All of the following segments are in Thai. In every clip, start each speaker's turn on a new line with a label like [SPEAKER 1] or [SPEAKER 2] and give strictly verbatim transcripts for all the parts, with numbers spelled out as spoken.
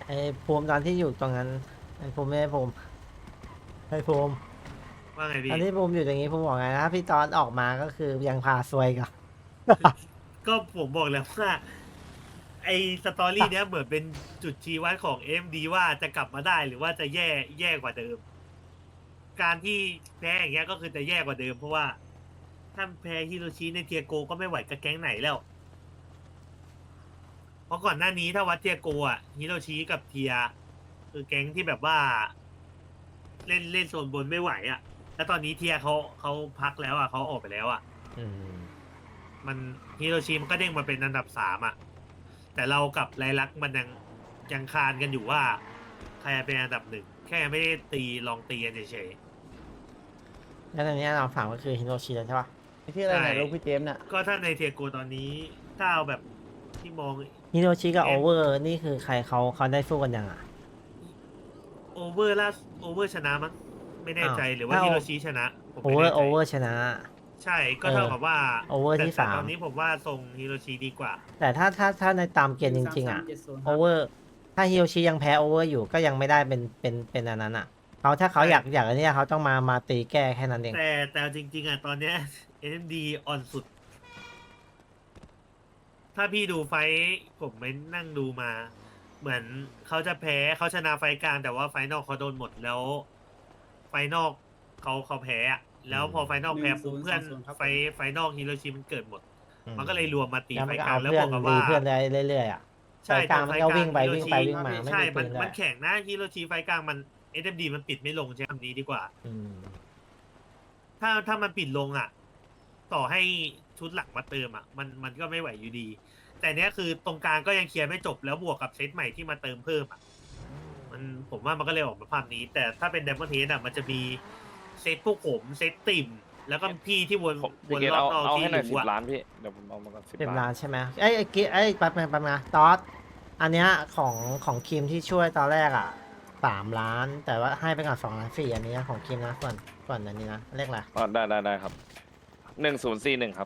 [SPEAKER 1] ไอ้ภูมิตอนที่อยู่ตรงนั้นไอ้ภูมิไม่ได้ภูมิไอ้ภูมิ
[SPEAKER 2] ว่าไง
[SPEAKER 1] ตอ
[SPEAKER 2] พี่
[SPEAKER 1] นที่ภูมิอยู่ตรงนี้ภูมิบอกไงนะพี่ตอนออกมาก็คือยังพาซวยกับ
[SPEAKER 2] ก็ผมบอกแล้วว่าไอสตอรี่เนี้ยเหมือนเป็นจุดชี้วัดของเอ็มดีว่าจะกลับมาได้หรือว่าจะแย่แย่กว่าเดิม การที่แพ้อย่างเงี้ยก็คือจะแย่กว่าเดิมเพราะว่าถ้าแพ้ฮิโรชิในเทียโกก็ไม่ไหวกับแก๊งไหนแล้ว เพราะก่อนหน้านี้ถ้าวัดเทียโกอ่ะฮิโรชิกับเทียคือแก๊งที่แบบว่า เล่นเล่นโซนบนไม่ไหวอ่ะแล้วตอนนี้เทียเขาเขาพักแล้วอ่ะเขาออกไปแล้วอ่ะ
[SPEAKER 1] อืม
[SPEAKER 2] มันฮิโรชิมันก็เด้งมาเป็นอันดับสามอ่ะ แต่เรากับไรลักษณ์มันยังยังคานกันอยู่ว่า ใครเป็นอันดับหนึ่งแค่ไม่ได้ตีลองตีกันเฉย
[SPEAKER 1] แล้วตอนนี้เราฝังก็คือฮิโรชิแล้วใช่ปะ
[SPEAKER 3] ชื่ออะไรเนี่ยลูกพี่เจมส์เนี่ย
[SPEAKER 2] ๆก็ถ้าในเทียโกตอนนี้ถ้าเอาแบบที่มอง
[SPEAKER 1] ฮิโรชิกับ
[SPEAKER 2] เอ็
[SPEAKER 1] โอ
[SPEAKER 2] ม
[SPEAKER 1] เวอร์นี่คือใครเขาเขาได้สู้กันยังอ่ะ
[SPEAKER 2] โอเวอร์ล่าโอเวอร์ชนะมั้งไม่แน่ใจ
[SPEAKER 1] อ้าว
[SPEAKER 2] หรือว่า
[SPEAKER 1] ถ้า
[SPEAKER 2] ฮิโรชิชนะผม
[SPEAKER 1] โอ
[SPEAKER 2] ไม่
[SPEAKER 1] เวอ
[SPEAKER 2] แน่
[SPEAKER 1] ร์
[SPEAKER 2] ใจ
[SPEAKER 1] โอเวอร์ชนะ
[SPEAKER 2] ใช่ก็เท่ากับว่า
[SPEAKER 1] โอเวอร์
[SPEAKER 2] แต่
[SPEAKER 1] ที่
[SPEAKER 2] แต่
[SPEAKER 1] สาม
[SPEAKER 2] ตอนนี้ผมว่าทรงฮิโรชิดีกว่า
[SPEAKER 1] แต่ถ้าถ้าถ้าในตามเกณฑ์จริงๆอ่ะโอเวอร์ถ้าฮิโรชิยังแพ้โอเวอร์อยู่ก็ยังไม่ได้เป็นเป็นเป็นอันนั้นอ่ะเขาถ้าเขา
[SPEAKER 2] ใช่
[SPEAKER 1] อยากอยากอันเนี้ยเขาต้องมามาตีแก้แค่นั้นเอง
[SPEAKER 2] แต่แต่จริงๆอ่ะตอนเนี้ย เอ็ม ดี อ่อนสุด ถ้าพี่ดูไฟท์ผมไปนั่งดูมา เหมือนเขาจะแพ้เขาชนะไฟท์กลางแต่ว่าไฟท์นอกเขาโดนหมดแล้ว ไฟท์นอกเขาเขาแพ้อะแล้วพอไฟท์นอกแพ้ปุ๊บเพื่อนไฟท์ไฟท์นอกฮิโรชิมันเกิดหมด
[SPEAKER 1] อืม
[SPEAKER 2] มันก็เลยรวมมาตี
[SPEAKER 1] แล้ว
[SPEAKER 2] ไฟ
[SPEAKER 1] มัน
[SPEAKER 2] ท์
[SPEAKER 1] ก็
[SPEAKER 2] กลา
[SPEAKER 1] เอา
[SPEAKER 2] งแล้ว
[SPEAKER 1] เพื่
[SPEAKER 2] บ
[SPEAKER 1] อน
[SPEAKER 2] วกกับ
[SPEAKER 1] ดี
[SPEAKER 2] ว่า
[SPEAKER 1] เพื่อนได้เรื่อยๆอ่ะ
[SPEAKER 2] ใช่
[SPEAKER 1] ไฟกลาง
[SPEAKER 2] แต่
[SPEAKER 1] มัน
[SPEAKER 2] ไฟ
[SPEAKER 1] ก็
[SPEAKER 2] กลาง
[SPEAKER 1] วิ่งไป
[SPEAKER 2] ฮิโร
[SPEAKER 1] วิ่ง
[SPEAKER 2] ชิ
[SPEAKER 1] ไปวิ่งมาไม่
[SPEAKER 2] ใช่
[SPEAKER 1] มี
[SPEAKER 2] มั
[SPEAKER 1] ปื
[SPEAKER 2] น
[SPEAKER 1] นด้ว
[SPEAKER 2] มั
[SPEAKER 1] ย
[SPEAKER 2] นแข่งนะฮิโรชิไฟกลางมันเอ ดี มันปิดไม่ลงใช้คำนี้ดีกว่า
[SPEAKER 1] อืม
[SPEAKER 2] ถ้าถ้ามันปิดลงอ่ะ ต่อให้ชุดหลักมาเติมอ่ะ มันมันก็ไม่ไหวอยู่ดี แต่เนี้ยคือตรงกลางก็ยังเคลียร์ไม่จบแล้วบวกกับเซตใหม่ที่มาเติมเพิ่มอ่ะ มันผมว่ามันก็เลยออกมาภาพนี้ แต่ถ้าเป็นไดมอนด์เฮดอ่ะมันจะมีเซตพวกผมเซตติ่ม แล้วก็พี่ที่วน
[SPEAKER 4] พี่
[SPEAKER 2] วน
[SPEAKER 4] เกด
[SPEAKER 2] รอบ
[SPEAKER 4] เอา
[SPEAKER 2] นอก
[SPEAKER 4] เอา
[SPEAKER 2] ที่
[SPEAKER 4] ให้หน่อย
[SPEAKER 2] อ
[SPEAKER 4] สิ
[SPEAKER 2] ยู่
[SPEAKER 4] บ
[SPEAKER 2] อ่ะ
[SPEAKER 4] ล้านพี่ เดี๋ยวผมเอามาก่อนสิบ
[SPEAKER 1] สิบ
[SPEAKER 4] ล้า
[SPEAKER 1] ล้าน นใช่ไหมเอ้ยไอ้กิ๊ไอ้ยแป๊บนึงแป๊บนึงนะตอสอันเนี้ยของของคิมที่ช่วยตอนแรกอ่ะสามล้าน แต่ว่าให้ไปก่อนสองล้านสี่อันนี้นะของคิมนะส่วนส่วนอันนี้นะเลขอะไร
[SPEAKER 4] อ๋อได้ได้ได้ครับหนึ่งศูนย์สี่หนึ่งครับ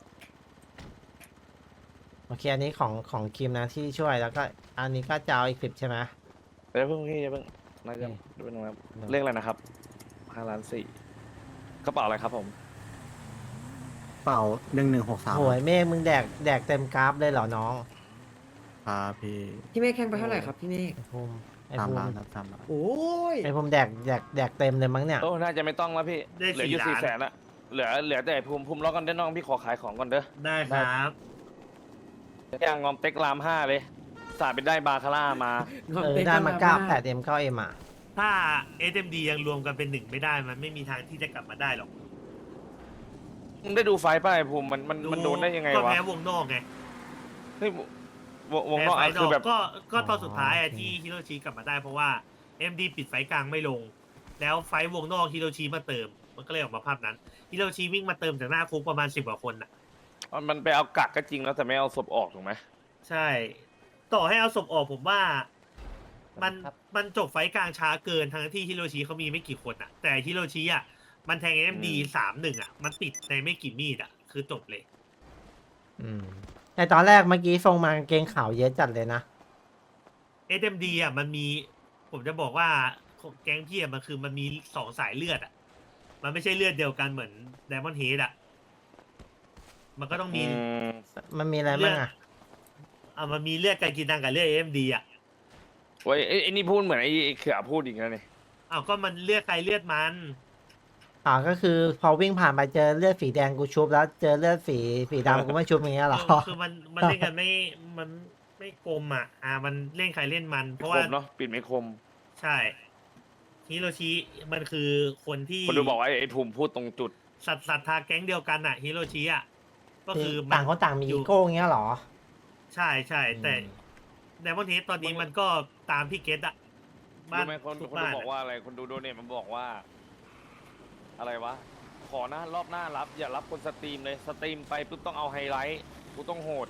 [SPEAKER 1] โอเคอันนี้ของของคิมนะที่ช่วยแล้วก็อันนี้ก็จะเอาอีกสิบใช่ไหม
[SPEAKER 4] เดี๋ยวเพิ่งพี่เดี๋ยวเพิ่งน่าจะ
[SPEAKER 1] โอเค
[SPEAKER 4] ดูเป็นงครับ
[SPEAKER 1] ได้
[SPEAKER 4] เรียกอะไรนะครับห้าล้านสี่กระเป๋าอะไรครับผม
[SPEAKER 3] เป่าหนึ่งหนึ่งหกสาม
[SPEAKER 1] โหยเมฆมึงแดกแดกเต็มกราฟเลยเหรอน้อง
[SPEAKER 3] ครับพี่
[SPEAKER 5] พี่เมฆแข่งไปเท่าไหร่ครับพี่เมฆ
[SPEAKER 1] ไอ้ภูมิไอ้
[SPEAKER 3] สาม
[SPEAKER 1] ภู
[SPEAKER 3] ล้าน
[SPEAKER 1] มิ
[SPEAKER 3] ครับสามล้าน
[SPEAKER 5] โอ้ย
[SPEAKER 1] ไอ้ภูมิแดกแดกแดกเต็มเลยมั้งเนี่ย
[SPEAKER 4] โอ้น่าจะไม่ต้องแล้วพี่
[SPEAKER 2] ได้
[SPEAKER 4] เหลืออยู่
[SPEAKER 2] สี่
[SPEAKER 4] สี่
[SPEAKER 2] ล้าน
[SPEAKER 4] แสนละเหลือเหลือแต่ภูมิภูมิล็อกกันได้น้องพี่ขอขายของก่อนเด้อ
[SPEAKER 2] ได้ครับ
[SPEAKER 4] ย่างงอมเต็กรามห้าเลยสาดไปได้บาคาร่ามา
[SPEAKER 1] เออได้มาเก้าแปดเอ็มเก้าเอ็มอ่ะ
[SPEAKER 2] ถ้า เอส เอ็ม ดี ยังรวมกันเป็นหนึ่งไม่ได้ มันไม่มีทางที่จะกลับมาได้หรอก
[SPEAKER 4] มึงได้ดูไฟล์ป่ะไอ้ภูมิมันมันมันโดนได้ยังไง
[SPEAKER 2] ก็
[SPEAKER 4] วะ
[SPEAKER 2] แพ้วงนอกไง
[SPEAKER 4] เฮ้ยวววงนอก
[SPEAKER 2] แพ้ไฟ
[SPEAKER 4] อ่ะ
[SPEAKER 2] น
[SPEAKER 4] คือ
[SPEAKER 2] อก
[SPEAKER 4] แบบ
[SPEAKER 2] ก็ก็ตอนสุดท้าย
[SPEAKER 1] อ๋
[SPEAKER 2] อะ
[SPEAKER 1] อโอเค
[SPEAKER 2] ที่ฮิโรชิกลับมาได้เพราะว่า เอ็ม ดี ปิดไฟกลางไม่ลง แล้วไฟวงนอกฮิโรชิมาเติม มันก็เลยออกมาภาพนั้นฮิโรชิวิ่งมาเติมจากหน้าคุกประมาณสิบกว่าคนน่ะ
[SPEAKER 4] มันไปเอากักก็จริงแล้วแต่ไม่เอาศพออกถูกไหม
[SPEAKER 2] ใช่ ต่อให้เอาศพออกผมว่า มัน
[SPEAKER 1] ครับ
[SPEAKER 2] มันจบไฟกลางช้าเกินทั้งที่ฮิโรชิเขามีไม่กี่คนอ่ะ แต่ฮิโรชิอ่ะมันแทง เอ็ม ดี สามหนึ่งอ่ะ มันติดในไม่กี่มีดอ่ะ คือจบเลย
[SPEAKER 1] อืมแต่ตอนแรกเมื่อกี้ทรงมากางเกงขาวเยอะจัดเลยนะ
[SPEAKER 2] เอส เอ็ม ดี อ่ะมันมี ผมจะบอกว่าแก๊งพี่อ่ะมันคือมันมีสองสายเลือดอ่ะ มันไม่ใช่เลือดเดียวกันเหมือนไดมอนด์เฮดอ่ะ มันก็ต้องมี
[SPEAKER 4] อืม
[SPEAKER 1] มันมีอะไรบ้างอ่ะ
[SPEAKER 2] อ่ะมันมีเลือดการกินดังกับเลือด เอ็ม ดี อ่ะ
[SPEAKER 4] โอ้ยไอ้ไอ้นี่พูดเหมือนไอ้ไอ้เขือพูดอีกแล้วนี่
[SPEAKER 2] อ้าวก็มันเลือดใครเลือดมัน
[SPEAKER 1] อ่าก็คือพอวิ่งผ่านไปเจอเลือดสีแดงกูชุบแล้วเจอเลือดสีสีดำกูไม่ชุบอย่างเงี้ยเหรอ
[SPEAKER 2] เออคือมันมันเล่นกันไม่ มันไม่กลมอ่ะ อ่า มันเล่นใครเล่นมัน เพราะ
[SPEAKER 4] ค
[SPEAKER 2] ว่า
[SPEAKER 4] มเนาะปิดไม่คม
[SPEAKER 2] ใช่ฮิโรชิมันคือคนที่
[SPEAKER 4] คนดูบอกว่าไอ้ไอ้ภูมิพูดตรงจุด
[SPEAKER 2] สัตว์ศรัทธาแก๊งเดียวกันอ่ะฮิโรชิอ่ะก็คือมั
[SPEAKER 1] ต่างคนต่างมีอีโก้อย่างเงี้ยเหรอ
[SPEAKER 2] ใช่ใช่แต่
[SPEAKER 1] อืม
[SPEAKER 2] ไดมอนด์เฮดตอนนี้มันก็ตามพี่เกตอ่ะบ้าน
[SPEAKER 4] รู้ไหมคน
[SPEAKER 2] ทุก
[SPEAKER 4] คนดู
[SPEAKER 2] บ้าน
[SPEAKER 4] บอก
[SPEAKER 2] อะ
[SPEAKER 4] ว่าอะไรคนดูโดเนทมันบอกว่า อะไรวะ ขอนะรอบหน้ารับ อย่ารับคนสตรีมเลยสตรีมไปปุ๊บต้องเอาไฮไลท์กูต้องโหด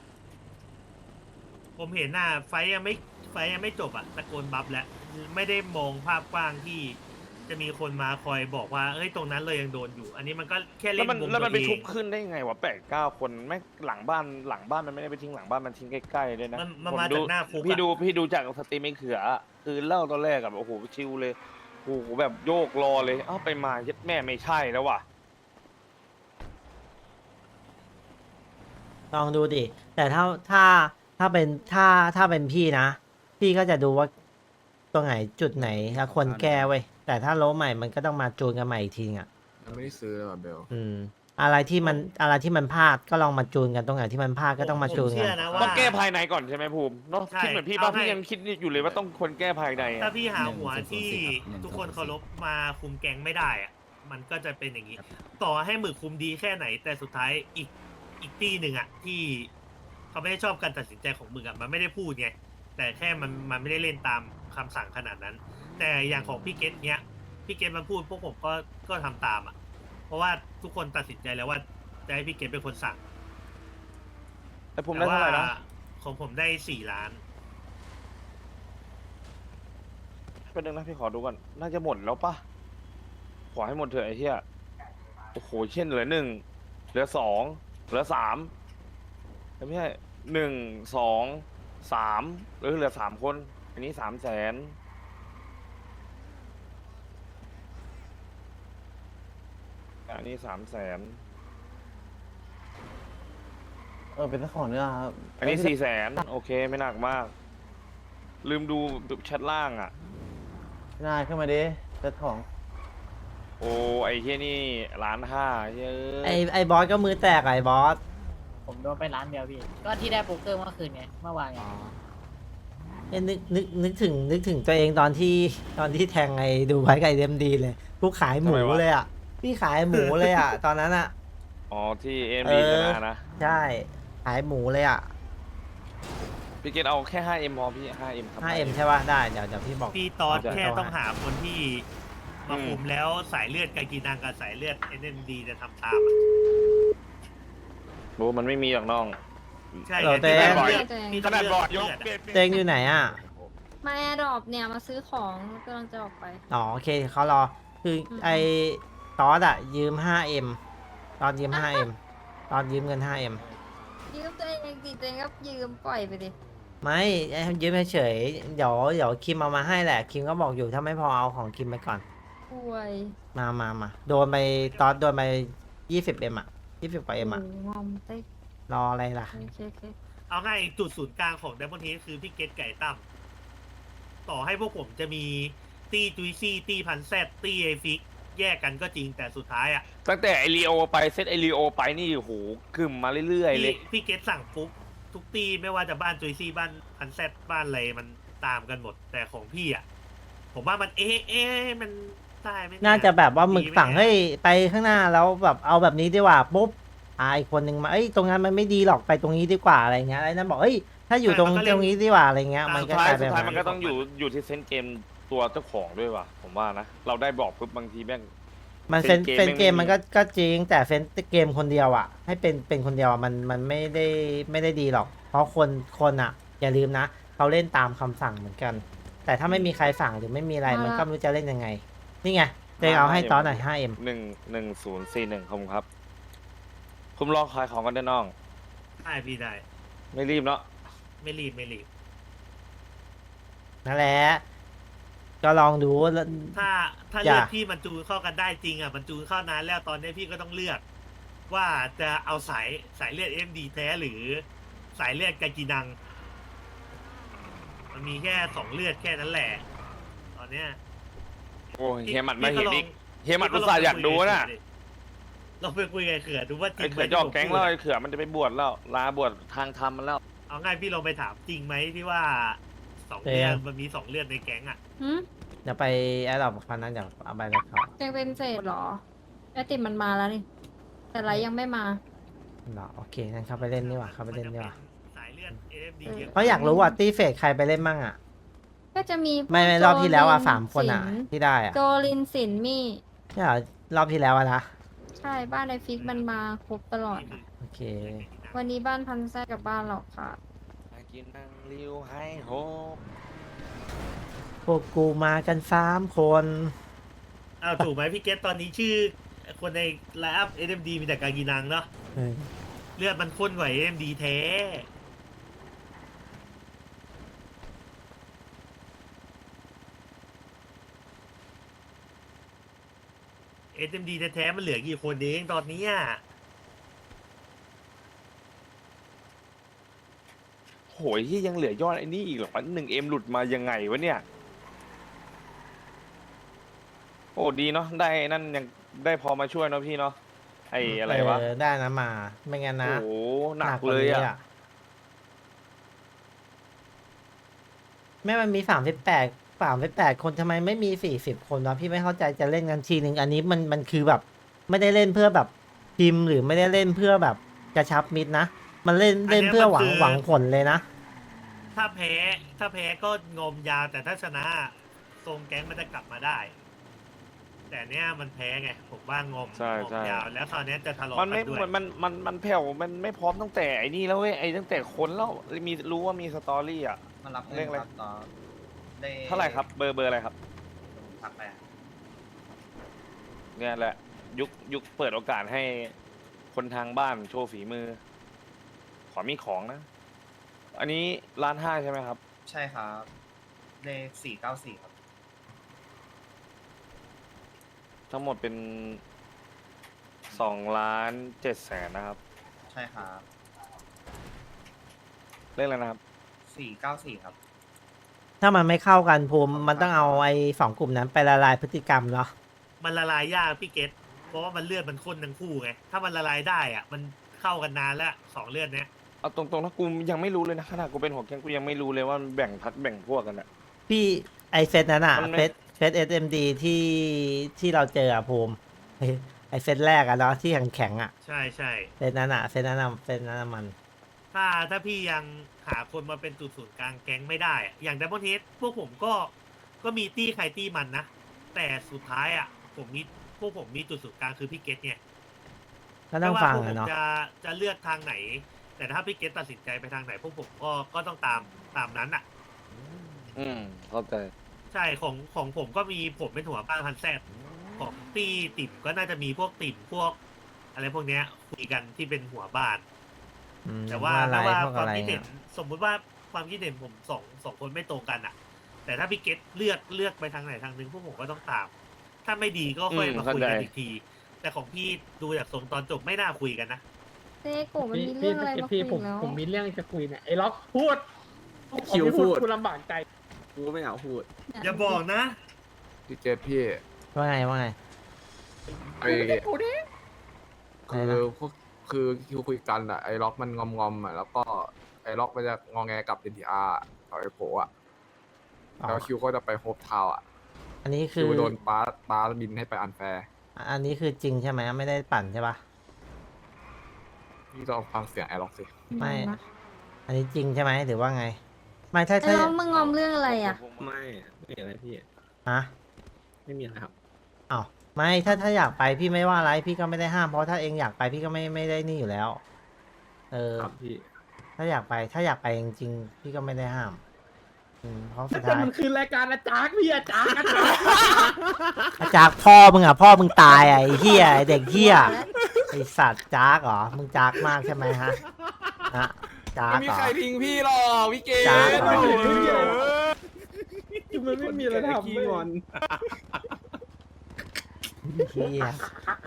[SPEAKER 2] ผมเห็นน่ะไฟยังไม่ไฟยังไม่จบอ่ะตะโกนบัฟแล้วไม่ได้มองภาพกว้างที่จะมีคนมาคอยบอกว่าเอ้ยตรงนั้นเลยยังโดนอยู่ อันนี้มันก็แค่
[SPEAKER 4] แล้
[SPEAKER 2] เล่
[SPEAKER 4] วน มัน
[SPEAKER 2] มุม
[SPEAKER 4] แล้วมันไป
[SPEAKER 2] ตัวเอ
[SPEAKER 4] ชุ
[SPEAKER 2] ง
[SPEAKER 4] บขึ้นได้ยังไงวะแปดเก้าคนแม่งหลังบ้านหลังบ้านมันไม่ได้ไปทิ้งหลังบ้านมันทิ้งใกล้ๆด้วยนะ
[SPEAKER 2] มันมัน
[SPEAKER 4] ผ
[SPEAKER 2] มา
[SPEAKER 4] ดู
[SPEAKER 2] จากหน้าคุกอะ
[SPEAKER 4] พี่ดูพี่ดูจากสตรีมไอ้เขือคือเล่าตอนแรกอะแบบโอ้โหชิวเลยโอ้โหแบบโยกรอเลยเอ้าไปมาเย็ดแม่ไม่ใช่แล้วว่ะ
[SPEAKER 1] ลองดูดิ แต่ถ้าถ้าถ้าเป็นถ้าถ้าเป็นพี่นะ พี่ก็จะดูว่าตรงไหนจุดไหนแล้วควรแก้เว้ย แต่ถ้าโล้ใหม่มันก็ต้องมาจูนกันใหม่อีกทีอ่ะ
[SPEAKER 6] ยังไม่ได้ซื้อเลยว่ะเบล
[SPEAKER 1] อืม อะไรที่มันอะไรที่มันพลาดก็ลองมาจูนกันตรงไหนที่มันพลาดก็ต้องมาจูน
[SPEAKER 2] ผม
[SPEAKER 1] กั
[SPEAKER 2] เชื่
[SPEAKER 1] น
[SPEAKER 2] อนะว่า
[SPEAKER 4] ต้องแก้ภายในก่อนใช่ไหมภูมิเนาะ
[SPEAKER 2] ใช่
[SPEAKER 4] คิดเหมือนพี่ป่ะ
[SPEAKER 2] เอาให้
[SPEAKER 4] พี่ยังคิดอยู่เลยว่าต้องควรแก้ภายในอะ
[SPEAKER 2] ถ้าพี่หาหัว
[SPEAKER 6] หนึ่ง
[SPEAKER 2] ที่
[SPEAKER 6] หนึ่ง
[SPEAKER 2] ทุกคน
[SPEAKER 6] หนึ่ง
[SPEAKER 2] เคารพมาคุมแก๊งไม่ได้อะมันก็จะเป็นอย่างนี้ ต่อให้หมึกคุมดีแค่ไหน แต่สุดท้ายอีกอีกตีหนึ่งอะที่เขาไม่ได้ชอบการตัดสินใจของหมึกอะมันไม่ได้พูดไงแต่แค่มันมันไม่ได้เล่นตามคำสั่งขนาดนั้น แต่อย่างของพี่เกตเนี้ยพี่เกตมันพูดพวกผมก็ก็ทำตามอะเพราะว่าทุกคนตัดสินใจแล้วว่าจะให้พี่เกตเป็นคนสั่ง
[SPEAKER 4] แต่ภูมิได้เท่าไหร่นะ
[SPEAKER 2] แต่ว่ของผมได้สี่ล้าน
[SPEAKER 4] เป็นหนึ่งนะพี่ขอดูก่อนน่าจะหมดแล้วป่ะขอให้หมดเถอะไอ้เหี้ยโอ้โหเช่นเหลือหนึ่งเหลือสองเหลือสามไม่ใช่หนึ่งสองสามหรือเหลือสามคน อันนี้สามแสนอันนี้สามแสน
[SPEAKER 3] เออเป็นเจ้าของเนื้อครับ
[SPEAKER 4] อันนี้สี่แสนโอเคไม่หนักมาก ลืมดูแชทล่างอ่ะ
[SPEAKER 3] นายขึ้นมาดิเจ้าของ
[SPEAKER 4] โอ้ไอ้เหี้ยนี่ล้านห้าเฮ้ย
[SPEAKER 1] ไอไอบอสก็มือแตกอะไอบอส
[SPEAKER 7] ผมโดนไปร้านเดียวพี่ ก็ที่ได้โป๊กเกอร์เมื่อคืนไง เมื่อวานไง
[SPEAKER 1] เอ้ยนึกนึกนึกถึงนึกถึงตัวเองตอนที่ตอนที่แทงไอ้ดูไว้กับไอเดมดีเลยผู้ขายหมูเลยอ่ะ พี่ขายหมูเลยอ่ะ ตอนนั้นอ่ะ
[SPEAKER 4] อ๋อที่เอ็ม
[SPEAKER 1] เอ
[SPEAKER 4] ดี
[SPEAKER 1] อ
[SPEAKER 4] ชนะนะ
[SPEAKER 1] ใช่ขายหมูเลยอ่ะ
[SPEAKER 4] พี่เกตเอาแค่ห้าเอ็มพอพี่ห้าเอ็มครับ
[SPEAKER 1] ห้าเอ็มใช่ป่ะ ได้ เดี๋ยวเดี๋ยวพี่บอก
[SPEAKER 2] พี่ตอน
[SPEAKER 1] เดี๋ยว
[SPEAKER 2] แค่
[SPEAKER 1] โทร
[SPEAKER 2] ต้อง
[SPEAKER 1] หา
[SPEAKER 2] หาคนที่มา
[SPEAKER 4] อืม
[SPEAKER 2] คุมแล้วสายเลือดกากีนังกับสายเลือดเอ็นดีจะทำตามอะ
[SPEAKER 4] โอ้มันไม่มีหรอกน้อง
[SPEAKER 2] ใช่
[SPEAKER 1] เหรอ
[SPEAKER 2] ไงที่
[SPEAKER 1] เต้
[SPEAKER 2] แบบเลือด
[SPEAKER 8] เต้
[SPEAKER 2] มี
[SPEAKER 4] ข
[SPEAKER 2] ต้อง
[SPEAKER 4] นาด
[SPEAKER 2] เลื
[SPEAKER 4] บอ
[SPEAKER 2] อ
[SPEAKER 4] ด
[SPEAKER 2] ด
[SPEAKER 4] ย
[SPEAKER 2] เลื
[SPEAKER 4] ก
[SPEAKER 2] อด
[SPEAKER 4] เปลี่
[SPEAKER 2] อะ
[SPEAKER 4] ยน
[SPEAKER 1] เตงอยู่ไหนอ่ะ
[SPEAKER 8] มาแอร์ดรอปเนี่ยมาซื้อของกำลังจะออกไป
[SPEAKER 1] อ๋อโอเคเขารอ คือไอตอสอ่ะ ยืม ห้าเอ็ม ตอนยืม ห้าเอ็ม ตอนยืมเงิน ห้าเอ็ม
[SPEAKER 8] ยืมตัวเองดิตัวเองก็ยืมปล่อยไปดิ
[SPEAKER 1] ไม่ไอ้ยืมเฉยๆเดี๋ยวเดี๋ยวคิมเอามาให้แหละ คิมก็บอกอยู่ถ้าไม่พอเอาของคิมไปก่อน
[SPEAKER 8] ป่วย
[SPEAKER 1] มามามาโดนไปตอสโดนไปยี่สิบเอ็มอ่ะยี่สิบกว่าเอ็มอ่ะ
[SPEAKER 8] โงอมเต๊ก
[SPEAKER 1] รออะไรล่ะ
[SPEAKER 8] โอเคโอเค
[SPEAKER 2] เอาง่ายจุดศูนย์กลางของเดมอนเฮดคือพี่เกตไก่ตั้มต่อให้พวกผมจะมีตีจุยซี่ตีพันแซดตีไอฟิกแยกกันก็จริงแต่สุดท้ายอ่ะ
[SPEAKER 4] ตั้งแต่ไอรีโอไปเซตไอรีโอไปนี่โอ้โหกึ่มมาเรื่อยๆเล
[SPEAKER 2] พี่
[SPEAKER 4] ย
[SPEAKER 2] พี่เกตสั่งปุ๊บทุกตีไม่ว่าจะบ้านจุยซี่บ้านพันแซดบ้านอะไรมันตามกันหมด แต่ของพี่อ่ะผมว่ามันเอ๊ะเอ๊ะมันได้ไหมเย
[SPEAKER 1] น่าจะแบบว่าหมึก
[SPEAKER 2] ดีไ
[SPEAKER 1] สั่งเฮ้ยไปข้างหน้าแล้วแบบเอาแบบนี้ดีกว่าปุ๊บอ่าอีกคนนึงมาเอ้ยตรงนั้นมันไม่ดีหรอกไปตรงนี้ดีกว่าอะไรเงี้ยไอ้นั่นบอกเอ้ยถ้าอยู่ตรงตรงนี้ดีกว่าอะไรเงี้ยมัน
[SPEAKER 4] สุด
[SPEAKER 1] ก็
[SPEAKER 4] ท้าย
[SPEAKER 1] กลาย
[SPEAKER 4] สุ
[SPEAKER 1] เป็
[SPEAKER 4] ด
[SPEAKER 1] น
[SPEAKER 4] ท้าย
[SPEAKER 1] แบบ
[SPEAKER 4] มันก็ต้องอยู่อยู่ที่เซนส์เกมตัวเจ้าของด้วยว่ะผมว่านะเราได้บอกปุ๊บบางทีแม่ง
[SPEAKER 1] มันเฟน
[SPEAKER 4] เฟ
[SPEAKER 1] เฟ
[SPEAKER 4] น
[SPEAKER 1] น
[SPEAKER 4] เก
[SPEAKER 1] เก
[SPEAKER 4] ม
[SPEAKER 1] ม
[SPEAKER 4] ไม่มี
[SPEAKER 1] มันก็ก็จริงแต่เฟนเกมคนเดียวอ่ะ ให้เป็นเป็นคนเดียวอะมันมันไม่ได้ไม่ได้ดีหรอก เพราะคนคนอ่ะ อย่าลืมนะเขาเล่นตามคำสั่งเหมือนกัน แต่ถ้าไม่มีใครสั่งหรือไม่มีอะไรมันก็ไม่รู้จะเล่นยังไง นี่ไงเดงเอาให้ตอนหน่อย ห้าเอ็ม
[SPEAKER 4] หนึ่งหนึ่งศูนย์สี่หนึ่งขอบคุณครับคุณรอขายของกันได้น้อง
[SPEAKER 2] ได้พี่ได้
[SPEAKER 4] ไม่รีบเนาะ
[SPEAKER 2] ไม่รีบไม่รีบ
[SPEAKER 1] นั่นแหละ ก็ลองดูแล้ว
[SPEAKER 2] ถ้าถ้า
[SPEAKER 1] อย่า
[SPEAKER 2] เลือกพี่มันจูนเข้ากันได้จริงอ่ะมันจูนเข้านานแล้วตอนนี้พี่ก็ต้องเลือก ว่าจะเอาสายสายเลือดเอ็มดีแท้หรือสายเลือดกากีนัง มันมีแค่สองเลือดแค่นั้นแหละ ตอนเนี้ย
[SPEAKER 4] โอ้ยเฮียหมัดมา
[SPEAKER 2] พี่
[SPEAKER 4] เห็น
[SPEAKER 2] ล
[SPEAKER 4] อี
[SPEAKER 2] ง
[SPEAKER 4] กเฮียหมัดอุตส่าห์อยากดูน่ะ
[SPEAKER 2] เราไปคุยกับเขือดูว่าจริ
[SPEAKER 4] ไอ้
[SPEAKER 2] งไหม
[SPEAKER 4] เขือจะออกแก๊งแล้ว
[SPEAKER 2] ที่ผมพูด
[SPEAKER 4] ไอ้เขือมันจะไปบวชแล้วลาบวชทางธรรมมันแล้ว
[SPEAKER 2] เอาง่ายพี่ลองไปถามจริงไหมที่ว่าสองเลือดมันมีสองเลือดในแก๊งอ่ะ
[SPEAKER 8] หืม
[SPEAKER 1] เดี๋ยวไปแอดดอปพันนั้นเดี๋ยวเอาไปเลยเขา
[SPEAKER 8] ยังเป็นเศษเหรอไอติมมันมาแล้วนี่ แต่ไรยังไม่มา
[SPEAKER 1] เนาะโอเคงั้นเข้าไปเล่นดีกว่าเข้าไปเล่นดีกว่า
[SPEAKER 2] สายเลือดเอ็มดีเยอะ
[SPEAKER 1] เพราะอยากรู้ว่าตีเฟกใครไปเล่นมั่งอ่ะ
[SPEAKER 8] ก็จะมี
[SPEAKER 1] ไม่ไม่รอบที่แล้วอ่ะ
[SPEAKER 8] โจลิ
[SPEAKER 1] สามคนอ่ะ
[SPEAKER 8] สิน
[SPEAKER 1] ที่ได้อ่ะ
[SPEAKER 8] โจลินสินมี่
[SPEAKER 1] เนี่ยเหรอรอบที่แล้วอะนะ
[SPEAKER 8] ใช่บ้านไอฟิกมันมาครบตลอดอะ
[SPEAKER 1] โอเค
[SPEAKER 8] วันนี้บ้านพันแซกกับบ้านเราค่ะ
[SPEAKER 4] กินนั่งริ้วให้โฮ
[SPEAKER 1] พวกกูมากันสามคน
[SPEAKER 2] อ้าวถูกไหมพี่เกตตอนนี้ชื่อคนในไลน์อัพ เอ็ม ดี มีแต่กากีนังเนาะ
[SPEAKER 1] เออ
[SPEAKER 2] เลือดมันข้นกว่า เอ็ม ดี แท้ เอ็ม ดี แท้ๆมันเหลือกี่คนเองตอนเนี้ย
[SPEAKER 4] โหยที่ยังเหลือยอดไอ้นี่อีกเหรอหนึ่งเอ็มหลุดมายังไงวะเนี่ย โอ้ดีเนาะได้นั่นยังได้พอมาช่วยเนาะพี่เนาะไอ้อะไรวะ
[SPEAKER 1] เออได้นะมา ไม่งั้นนะ
[SPEAKER 4] โอ้โหหนัก
[SPEAKER 1] ว่า
[SPEAKER 4] เลย
[SPEAKER 1] นี้
[SPEAKER 4] อ่ะ
[SPEAKER 1] แม่มันมีสามสิบแปดสามสิบแปดคนทำไมไม่มีสี่สิบคนวะพี่ไม่เข้าใจจะเล่นกันทีหนึ่งอันนี้มันมันคือแบบ ไม่ได้เล่นเพื่อแบบทีมหรือไม่ได้เล่นเพื่อแบบกระชับมิตรนะ มันเล่นเล่นเพื่อหวังหวังผลเลยนะ
[SPEAKER 2] ถ้าแพ้ ถ้าแพ้ก็งอมยาวแต่ถ้าชนะทรงแก๊งมันจะกลับมาได้ แต่เนี้ยมันแพ้ไง ผมว่างอม
[SPEAKER 4] ใช่
[SPEAKER 2] งอม
[SPEAKER 4] ใช่
[SPEAKER 2] ยาว แล้วตอนเนี้ยจะทะเลาะ
[SPEAKER 4] มัน
[SPEAKER 2] กั
[SPEAKER 4] ไม่
[SPEAKER 2] นด้วย
[SPEAKER 4] มันมันมันมันแผ่วมันไม่พร้อมตั้งแต่ไอ้นี่แล้วเว้ยไอ้ตั้งแต่คนแล้วมีรู้ว่ามีสตอรี่อ่ะ
[SPEAKER 6] มารับ
[SPEAKER 4] เลขอะไร
[SPEAKER 6] ครับต่อได้
[SPEAKER 4] เท่าไหร่ครับเบอร์เบอร์อะไรครับ
[SPEAKER 6] ทักไปอะ
[SPEAKER 4] เนี่ยแหละ ยุคยุคเปิดโอกาสให้คนทางบ้านโชว์ฝีมือ ขอมีของนะ อันนี้ร้านห้าใช่ไหมครับ
[SPEAKER 6] ใช่ครับเลขสี่เก้าสี่ครับ
[SPEAKER 4] ทั้งหมดเป็นสองล้านเจ็ดแสนนะครับ
[SPEAKER 6] ใช่ครับ
[SPEAKER 4] เรื่องอะไรนะครับ
[SPEAKER 6] สี่เก้าสี่ครับ
[SPEAKER 1] ถ้ามันไม่เข้ากันภูมิมันต้องเอาไอ้สองกลุ่มนั้นไปละลายพฤติกรรมเนาะ
[SPEAKER 2] มันละลายยากพี่เกตเพราะว่ามันเลือดมันข้นทั้งคู่ไง ถ้ามันละลายได้อ่ะ มันเข้ากันนานแล้วสองเลือดเนี้ย
[SPEAKER 4] เอาตรงๆนะกูยังไม่รู้เลยนะขนาดกูเป็นหัวแก๊งกูยังไม่รู้เลยว่ามันแบ่งพัดแบ่งพวกกันอะ
[SPEAKER 1] พี่ไอเซตนั้นอะ
[SPEAKER 4] มันไม่
[SPEAKER 1] เฟสเฟสเอสเอ็มดีที่ที่เราเจออะภูมิไอ้ไอเซตแรกอะเนาะที่แข็งแข็งๆอะ
[SPEAKER 2] ใช่ใช่
[SPEAKER 1] เซตนั้นอะเซตนั้นอะเซตนั้นอะมัน
[SPEAKER 2] ถ้าถ้าพี่ยังหาคนมาเป็นจุดศูนย์กลางแก๊งไม่ได้อะอย่างดับเบิลเฮดพวกผมก็ก็มีตี้ใครตี้มันนะ แต่สุดท้ายอ่ะ ผมมีพวกผมมีจุดศูนย์กลางคือพี่เกตไง
[SPEAKER 1] ก็ต้อง
[SPEAKER 2] ไม่ว่า
[SPEAKER 1] ฟัง
[SPEAKER 2] พวกผ
[SPEAKER 1] อะ
[SPEAKER 2] ม
[SPEAKER 1] เนาะ
[SPEAKER 2] จะจะเลือกทางไหน แต่ถ้าพี่เกตตัดสินใจไปทางไหน พวกผมก็ก็ต้องตามตามนั้นอ่ะ
[SPEAKER 4] อืมเข้าใจ
[SPEAKER 2] ใช่ของของผมก็มีผมเป็นหัวบ้านพันแซดของตี้ติ่มก็น่าจะมีพวกติ่มพวก อะไรพวกเนี้ยคุยกันที่เป็นหัวบ้าน
[SPEAKER 1] อืม
[SPEAKER 2] แต่ว่า
[SPEAKER 1] อะไร
[SPEAKER 2] ถ้าว่า
[SPEAKER 1] พวก
[SPEAKER 2] ควา
[SPEAKER 1] อะ
[SPEAKER 2] ม
[SPEAKER 1] ไร
[SPEAKER 2] คิดเห็
[SPEAKER 1] อะ
[SPEAKER 2] นสมมุติว่าความคิดเห็นผมสองสองคนไม่ตรงกันอ่ะ แต่ถ้าพี่เกตเลือกเลือกไปทางไหนทางหนึงพวกผมก็ต้องตาม ถ้าไม่ดีก็ค่อย
[SPEAKER 4] อืม
[SPEAKER 2] มาคุยกัน
[SPEAKER 4] เข้าใจ
[SPEAKER 2] อีกที แต่ของพี่ดูจากทรงตอนจบไม่น่าคุยกันนะ
[SPEAKER 8] เจ๊กูมัน
[SPEAKER 9] พี่
[SPEAKER 8] มีเรื่องอะไร
[SPEAKER 9] พี่
[SPEAKER 8] มาคุ
[SPEAKER 9] พี่
[SPEAKER 8] ย
[SPEAKER 9] ผม
[SPEAKER 8] แล้ว
[SPEAKER 9] ผมมีเรื่องจะคุยเนี่ยไอ้ล็อกพูด
[SPEAKER 10] คิว
[SPEAKER 9] ผมไม่
[SPEAKER 10] พูด
[SPEAKER 9] กูลำบากใจ
[SPEAKER 10] กูไม่อยากพูด
[SPEAKER 2] อย่าบอกนะ
[SPEAKER 10] พี่เจษพี่
[SPEAKER 1] ว่าไงว่าไง
[SPEAKER 10] ไอ้
[SPEAKER 9] กูดิ
[SPEAKER 10] คือพวกคือคิวคุยกันอะไอ้ล็อกมันงอมงอมๆอะแล้วก็ไอ้ล็อกมันจะงอแงกับ เอ็น ที อาร์ กับไอ้โผอะ
[SPEAKER 1] อ๋อ
[SPEAKER 10] แล้วคิวก็จะไปโฮปทาวน์อะ
[SPEAKER 1] อันนี้คื
[SPEAKER 10] คิ
[SPEAKER 1] อ
[SPEAKER 10] วโดนป้าป้าบินให้ไปอันแฟร์
[SPEAKER 1] อันนี้คือจริงใช่ไหมไม่ได้ปั่นใช่ปะ
[SPEAKER 10] พี่ต้องฟังเสียงไอ้ล็อกสิ
[SPEAKER 1] ไม่
[SPEAKER 8] งงนะ
[SPEAKER 1] อันนี้จริงใช่ไหมหรือว่าไง ไม่ถ้า
[SPEAKER 8] ไอ้
[SPEAKER 1] ถ้า
[SPEAKER 8] น้องมึงงอมเรื่องอะไรอ่ะ
[SPEAKER 10] ไม่ไม่มีอะไรพี่
[SPEAKER 1] ฮะ
[SPEAKER 10] ไม่มีอะไรครับ
[SPEAKER 1] อ้าวไม่ถ้าถ้าอยากไปพี่ไม่ว่าอะไรพี่ก็ไม่ได้ห้ามเพราะถ้าเองอยากไปพี่ก็ไม่ไม่ได้นี่อยู่แล้ว เออ
[SPEAKER 10] ครับพี่
[SPEAKER 1] ถ้าอยากไปถ้าอยากไปจริงๆพี่ก็ไม่ได้ห้ามอืมเพราะสุด
[SPEAKER 9] แต่
[SPEAKER 1] ท้าย
[SPEAKER 9] มันคือรายการอาจารย์พี่อาจารย์อาจารย์
[SPEAKER 1] อาจากพ่อมึงอ่ะพ่อมึงตายอ่ะไอ้เหี้ยไอ้เด็กเหี้ยไอสัตว์จากเหรอมึงจากมากใช่ไหมฮะฮะจาก
[SPEAKER 10] ไม่มี
[SPEAKER 1] เหรอ
[SPEAKER 10] ใครทิ้งพี่หรอกพี่เกศ
[SPEAKER 1] จ้าเหรอ
[SPEAKER 10] โอ้โห
[SPEAKER 9] คือมันไม่มีอะไรทำ
[SPEAKER 10] ขี้
[SPEAKER 9] เว้ย
[SPEAKER 10] งอน
[SPEAKER 1] เหี้ย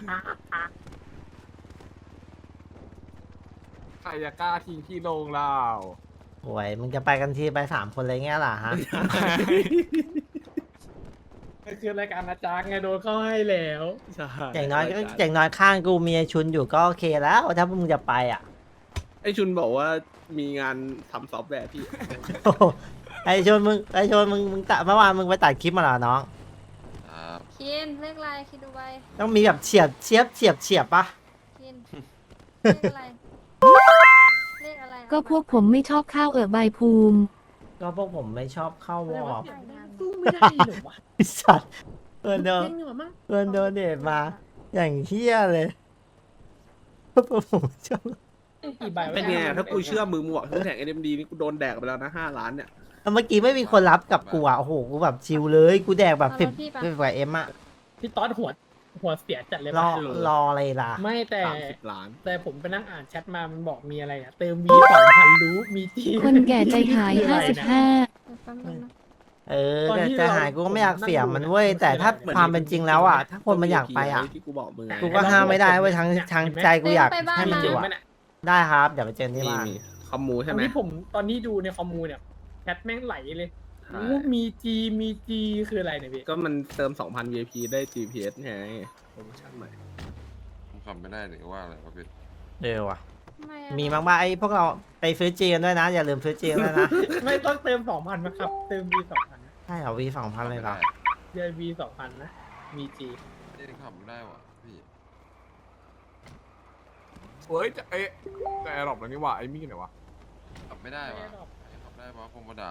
[SPEAKER 10] ใครจะกล้าทิ้งพี่ลงเรา
[SPEAKER 1] โอ้ยมึงจะไปกันทีไปสามคนเลยเงี้ยล่ะฮะ
[SPEAKER 9] มันคือรายการอาจารย์ไงโดนเข้าให้แล้ว
[SPEAKER 10] ใช่
[SPEAKER 1] อย่างน้อยก็อย่างน้อยข้างกูมีไอ้ชุนอยู่ก็โอเคแล้วถ้ามึงจะไปอ่ะ
[SPEAKER 10] ไอชุนบอกว่ามีงานทำซอฟต์แวร์พี่
[SPEAKER 1] โอ้โหไอชนมึงไอชนมึงมึงตัดเมื่อวานมึงไปตัดคลิปมาเหรอน้อง
[SPEAKER 8] คินเลขอะไรคิดดูไป
[SPEAKER 1] ต้องมีแบบเฉียบเฉียบเฉียบเฉียบปะ
[SPEAKER 8] คินเลขอะไรเลขอะไร
[SPEAKER 11] ก็พวกผมไม่ชอบข้าวเอ่อใบภูมิ
[SPEAKER 1] ก็พวกผมไม่ชอบเข้าวอร์
[SPEAKER 9] สู้ไม่ได้หรอวะ
[SPEAKER 1] ไอ้สัตว์เพื่อนโดน
[SPEAKER 9] เจ๊งเหรอมั้ง
[SPEAKER 1] เพื่อนโดนเดทมา อย่างเฮี้ยเลยพวกผมชอบ
[SPEAKER 9] กี่ใบวะ
[SPEAKER 10] เป็นไงถ้ากูเชื่อมือหมวกทั้งแท็ก เอ็ม ดี นี่กูโดนแดกไปแล้วนะห้าล้านเนี่ย
[SPEAKER 1] เมื่อกี้ไม่มีคนรับกับกูอ่ะโอ้โหกูแบบชิลเลยกูแดกแบบสิบสิบกว่าเอ็มอ่ะ
[SPEAKER 9] พี่ต๊อดหัวหัวเสียจัดเลย
[SPEAKER 1] รอ
[SPEAKER 9] ปะ
[SPEAKER 1] รออะไรล่ะ
[SPEAKER 9] ไม่แต่
[SPEAKER 10] สามสิบล้าน
[SPEAKER 9] แต่ผมไปนั่งอ่านแชทมามันบอกมีอะไรอ่ะ เติมวีสองพันรู้มีจี
[SPEAKER 11] คนแก่ใจหายห้าสิบห้า
[SPEAKER 8] แป๊บนึงนะ
[SPEAKER 1] เออแต่จะหายกูก็ไม่อยากเสียมันเว้ยแต่ถ้าความเป็นจริงแล้วอ่ะถ้าคนมันอยากไปอ่ะ
[SPEAKER 10] ที่กูบอกมึง
[SPEAKER 1] กูก็ห้ามไม่ได้เว้ยทางทางใจกูอยากให้มันอยู่
[SPEAKER 9] จริง
[SPEAKER 1] อ่ะ
[SPEAKER 9] ไหมเนี่ย
[SPEAKER 1] ได้ครับเดี๋ยวไปเจอที่
[SPEAKER 10] มี
[SPEAKER 1] บ้าน
[SPEAKER 10] มีคอมมู
[SPEAKER 9] ต
[SPEAKER 10] ใช่
[SPEAKER 9] อน
[SPEAKER 10] ไหม
[SPEAKER 9] ที่ผมตอนนี้ดูในคอมมูเนี่ยแชทแม่งไหลเลย
[SPEAKER 10] ใช่
[SPEAKER 9] โอ้มีจีมีจีคืออะไรเนี่ยพี่
[SPEAKER 10] ก็มันเติม สองพัน วี ไอ พี ได้ จี พี เอส ไงโปรโมชั่นใหม่
[SPEAKER 12] ผมขับไม่ได้หรือว่าอะไรวะพี่
[SPEAKER 1] เออว่ะ
[SPEAKER 8] ทำไอะ
[SPEAKER 1] มีมากๆไอ้พวกเราไปซื้อจีกันด้วยนะ อย่าลืมซื้อจีกันด้วยนะ
[SPEAKER 9] ไม่ต้องเติมสองพันมาครับ เติมวีสองพัน
[SPEAKER 1] ใช่เหรอวีสองพันเลยเหรอ
[SPEAKER 9] เดือนวีสองพันนะ มีจี
[SPEAKER 12] ไม่ได้ขับไม่ได้วะพี่
[SPEAKER 10] เฮ้ยจะเอ๊ะแต่แอร์ดรอปแล้วนี่หว่าไอ้มี่ไหนวะ
[SPEAKER 12] ขับไม่ได้วะขับได้ปะคงมาด่า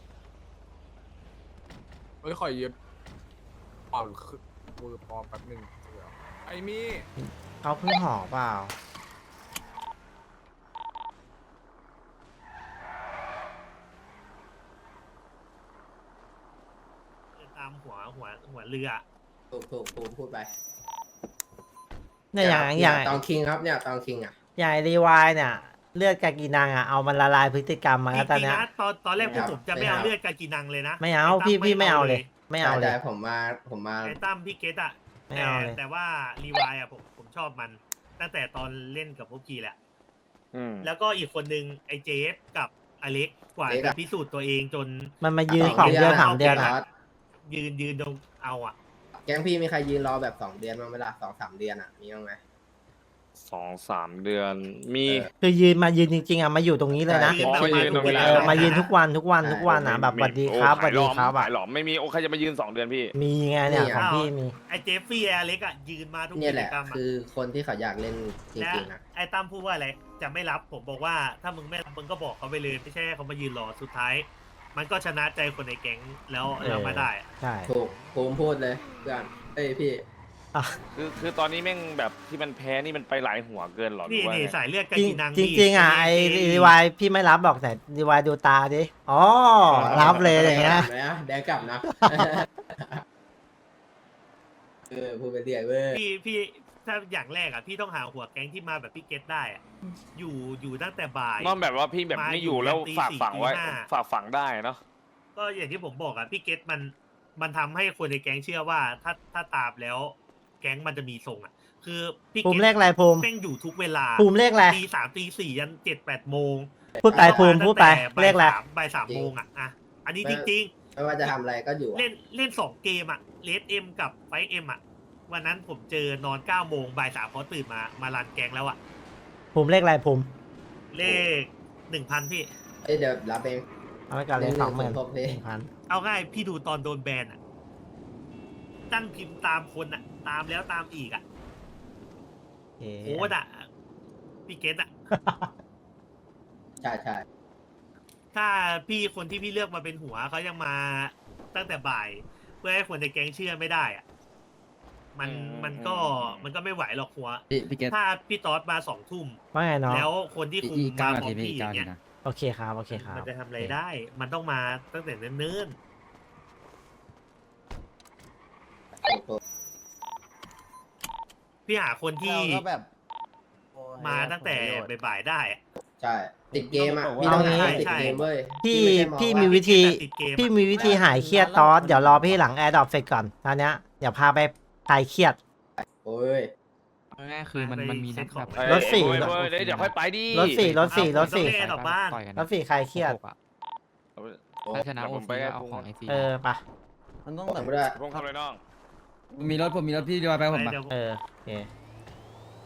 [SPEAKER 10] เฮ้ยขอยืมเปล่าคือมือปลอมแป๊บหนึงเดี๋ยวไอ้มี่
[SPEAKER 1] เขาเพิ่งห่อเปล่า
[SPEAKER 2] ตามหัวหัวหัวเรือ
[SPEAKER 5] ถูกถูกภูมิพูดไป
[SPEAKER 1] เนี่ยอย่างอย่าง
[SPEAKER 5] ตองคิงครับเนี่ยตองคิงอ่ะ
[SPEAKER 1] อย่างรีวายเนี่ย เลือดกากีนังอ่ะเอามันละลายพฤติกรรมมา
[SPEAKER 2] จ
[SPEAKER 1] แล้วตอน
[SPEAKER 2] ริง
[SPEAKER 1] เนี้
[SPEAKER 2] ๆ
[SPEAKER 1] ย
[SPEAKER 2] นะตอนตอนแรกพวกผมจะไม่เอา
[SPEAKER 5] ไม่เอา
[SPEAKER 2] เลือดกากีนังเลยนะ
[SPEAKER 1] ไม่เอา
[SPEAKER 2] อ้ตั้
[SPEAKER 1] พี่พี่ไม่เอาเลย ไม่เอาเลย
[SPEAKER 5] แต่ผมมาผมมา
[SPEAKER 2] ไอ้ตั้มพี่เกตอะ
[SPEAKER 1] ไม่
[SPEAKER 2] แต่
[SPEAKER 1] เอาเลย
[SPEAKER 2] แต่ว่ารีวายอะผมผมชอบมัน ตั้งแต่ตอนเล่นกับพวกกีแหละ
[SPEAKER 4] อืม
[SPEAKER 2] แล้วก็อีกคนนึงไอ้เจฟกับอเล็กกว่าจะพิสูจน์ตัวเองจน
[SPEAKER 1] มันมายืนสองเดือนสามเดือน
[SPEAKER 2] อะ
[SPEAKER 1] อ่ะ
[SPEAKER 2] ยืนยืนตรงเอาอะ
[SPEAKER 5] แก๊งพี่มีใครยืนรอแบบสองเดือนบ้างไหมล่ะสองสามเดือนอ่ะมีบ้างไหม
[SPEAKER 4] สองสามเดือน มี
[SPEAKER 5] เออ
[SPEAKER 1] คือยืนมายืนจริงๆอ่ะมาอยู่ตรงนี้เลยนะ
[SPEAKER 2] ยืน
[SPEAKER 4] อ๋อ
[SPEAKER 2] แบบ
[SPEAKER 4] มายืนตรงนี้
[SPEAKER 1] เออมายืนทุกวันทุกวันทุกวันนะแบบสวัสดีครับสวัสดีครับ
[SPEAKER 4] ขา
[SPEAKER 1] อ่ะ
[SPEAKER 4] ยหลอมไม่มีโอ้ใครจะมายืนสองเดือนพี่
[SPEAKER 1] มีไงเนี่ย
[SPEAKER 5] นี่
[SPEAKER 1] ของพี่มี
[SPEAKER 2] ไอ้เจฟฟี่ไอ้อเล็กอะยืนมาทุก
[SPEAKER 5] เนี่
[SPEAKER 2] กิ
[SPEAKER 5] ยแห
[SPEAKER 2] จ
[SPEAKER 5] ละ
[SPEAKER 2] กรรมอะ
[SPEAKER 5] คือคนที่เขาอยากเล่นจ
[SPEAKER 2] และ
[SPEAKER 5] ริงๆนะ
[SPEAKER 2] ไอ้ตั้มพูดว่าอะไรจะไม่รับผมบอกว่าถ้ามึงไม่รับมึงก็บอกเขาไปเลยไม่ใช่ให้เขามายืนรอสุดท้าย มันก็ชนะใจคนในแก๊งแล้วเรามาได้
[SPEAKER 1] ใช่
[SPEAKER 5] ถูกภูมิพูดเลยเพื่อนเอ้ยพี่
[SPEAKER 1] อ่ะ
[SPEAKER 4] คือคือตอนนี้แม่งแบบที่มันแพ้นี่มันไปหลายหัวเกินหรอหรื
[SPEAKER 2] นี่
[SPEAKER 4] อว่า
[SPEAKER 2] นี่
[SPEAKER 4] ไง
[SPEAKER 2] สายเลือดกา
[SPEAKER 1] จริง
[SPEAKER 2] กีนัง
[SPEAKER 1] จริง
[SPEAKER 2] นี่
[SPEAKER 1] จริงอ่ะไอ
[SPEAKER 2] เท่
[SPEAKER 1] รีวายพี่ไม่รับบอกแต่รีวายดูตาดิอ๋อรับเลยอย่างเงี้ย
[SPEAKER 5] แดงแดงกลับนะ เออพูดไปเรื่อยเว้ย
[SPEAKER 2] พี่พี่ถ้าอย่างแรกอ่ะพี่ต้องหาหัวแก๊งที่มาแบบพี่เกตได้อ่ะอยู่อยู่ตั้งแต่บ่าย
[SPEAKER 4] นอกแบบว่าพี่แบบ
[SPEAKER 2] มา
[SPEAKER 4] ไม่อยู่
[SPEAKER 2] อยู่
[SPEAKER 4] แล้ว
[SPEAKER 2] ตี
[SPEAKER 4] ฝาก
[SPEAKER 2] สี่
[SPEAKER 4] ฝังไว้
[SPEAKER 2] ตีห้า
[SPEAKER 4] ฝากฝังได้เนาะ
[SPEAKER 2] ก็อย่างที่ผมบอกอ่ะพี่เกตมันมันทำให้คนในแก๊งเชื่อว่าถ้าถ้าตามแล้ว แก๊งมันจะมีทรงอ่ะ คือพี่
[SPEAKER 1] ภู
[SPEAKER 2] เก
[SPEAKER 1] มิ
[SPEAKER 2] ต
[SPEAKER 1] เลขอะไรภูมิ
[SPEAKER 2] แม่งอยู่ทุกเวลา
[SPEAKER 1] ภูมิเลขอะไร
[SPEAKER 2] ตีสามตีสี่ยันเจ็ดแปดโมง
[SPEAKER 1] พูดไปภูมิพูดไป
[SPEAKER 2] ตั้งแต่
[SPEAKER 1] เลขอะไร
[SPEAKER 2] บ่ายสามบ่ายสามโมงอ่ะอ่ะอันนี้จริง ๆ
[SPEAKER 5] ไม่ว่าจะทำอะไรก็อยู่อะ
[SPEAKER 2] เล่นเล่นสองเกมอะเลสเอ็มกับไฟเอ็มอะวันนั้นผมเจอนอนเก้าโมงบ่ายสามพอตื่นมามารันแกงแล้วอะ
[SPEAKER 1] ภูมิเลขอะไรภูมิ
[SPEAKER 2] เลขหนึ่งพันพี่
[SPEAKER 5] เอ้ยเดี๋ยวรับเอง
[SPEAKER 1] เอาไว้ก่อนเลยสองหมื่น
[SPEAKER 5] หนึ่งหมื่นครบเลย
[SPEAKER 1] พัน
[SPEAKER 2] เอาง่ายพี่ดูตอนโดนแบนอะตั้งพิมพ์ตามคนอะตามแล้วตามอีกอะ
[SPEAKER 1] โอเค
[SPEAKER 2] โค้ดอะพี่เกตอะ
[SPEAKER 5] ใช่ใช่
[SPEAKER 2] ถ้าพี่คนที่พี่เลือกมาเป็นหัวเขายังมาตั้งแต่บ่าย เพื่อให้คนในแก๊งเชื่อไม่ได้อะมันมันก็มันก็ไม่ไหวหรอกหัว
[SPEAKER 6] พี่พี่เกต
[SPEAKER 2] ถ้าพี่ตอสมาสองทุ่ม
[SPEAKER 1] ว่าไงน้อง
[SPEAKER 2] แล้วคนที่คุม
[SPEAKER 6] อีกเก้า
[SPEAKER 2] มา
[SPEAKER 6] นา
[SPEAKER 2] พร้อ
[SPEAKER 6] ที
[SPEAKER 2] ม
[SPEAKER 6] พี่
[SPEAKER 2] พี่
[SPEAKER 6] อีก
[SPEAKER 2] อ
[SPEAKER 6] เก้า
[SPEAKER 2] ย่าง
[SPEAKER 6] นาที
[SPEAKER 2] เงี้ย
[SPEAKER 6] นะ
[SPEAKER 1] โอเคครับโอเคครับ
[SPEAKER 2] มันจะทำอะไรได้ มันต้องมาตั้งแต่เนิ่น
[SPEAKER 5] ถูกถูก
[SPEAKER 2] ๆพี่หาคนที่
[SPEAKER 3] เราก็แบบ
[SPEAKER 2] มาตั้งแต่บ่ายๆได้อะ
[SPEAKER 5] ใช่ติดเกมอ่ะ
[SPEAKER 1] เอา
[SPEAKER 5] พี่ต้องหา
[SPEAKER 1] งี้
[SPEAKER 5] คนติดเกมเว้ย
[SPEAKER 1] พี่
[SPEAKER 5] ไใช่อง
[SPEAKER 1] พี่
[SPEAKER 5] ว่า
[SPEAKER 1] มีวิธี
[SPEAKER 2] ติดเกมอะ
[SPEAKER 1] พี่มีวิธีหายเครียดตอสเดี๋ยวรอพี่หลังแอร์ดรอปเสร็จก่อนตอนเนี้ยเดี๋ยวพาไปคลายเครียด
[SPEAKER 5] โอ้ย
[SPEAKER 6] ง่ายๆคือมันมันมีนัดแบบ
[SPEAKER 2] เอ้ย
[SPEAKER 1] รถสี่
[SPEAKER 4] เว้ยเว้ยเดี๋ยวเดี๋ยวค่อยไปดิ
[SPEAKER 1] รถสี่รถสี่รถสี่
[SPEAKER 2] เอาผมต้องเล่น ออกบ้าน
[SPEAKER 6] ต่อยกัน
[SPEAKER 1] รถสี่คลายเครียด
[SPEAKER 6] หกอะ
[SPEAKER 4] เอา
[SPEAKER 6] ถ้าชนะ
[SPEAKER 4] เดี๋ยว
[SPEAKER 6] โอ
[SPEAKER 4] ผม
[SPEAKER 6] ซี
[SPEAKER 4] ไป
[SPEAKER 6] ก็เอาของไอซี
[SPEAKER 1] เออไปะ
[SPEAKER 3] มันต้อง
[SPEAKER 5] ผ
[SPEAKER 3] แบบ
[SPEAKER 5] มด้วย
[SPEAKER 4] พงทำอะไรน้อง
[SPEAKER 6] มีรถผมมีรถพี่ดีวายไปผมปะ
[SPEAKER 2] เดี๋ยว
[SPEAKER 1] เออโอเค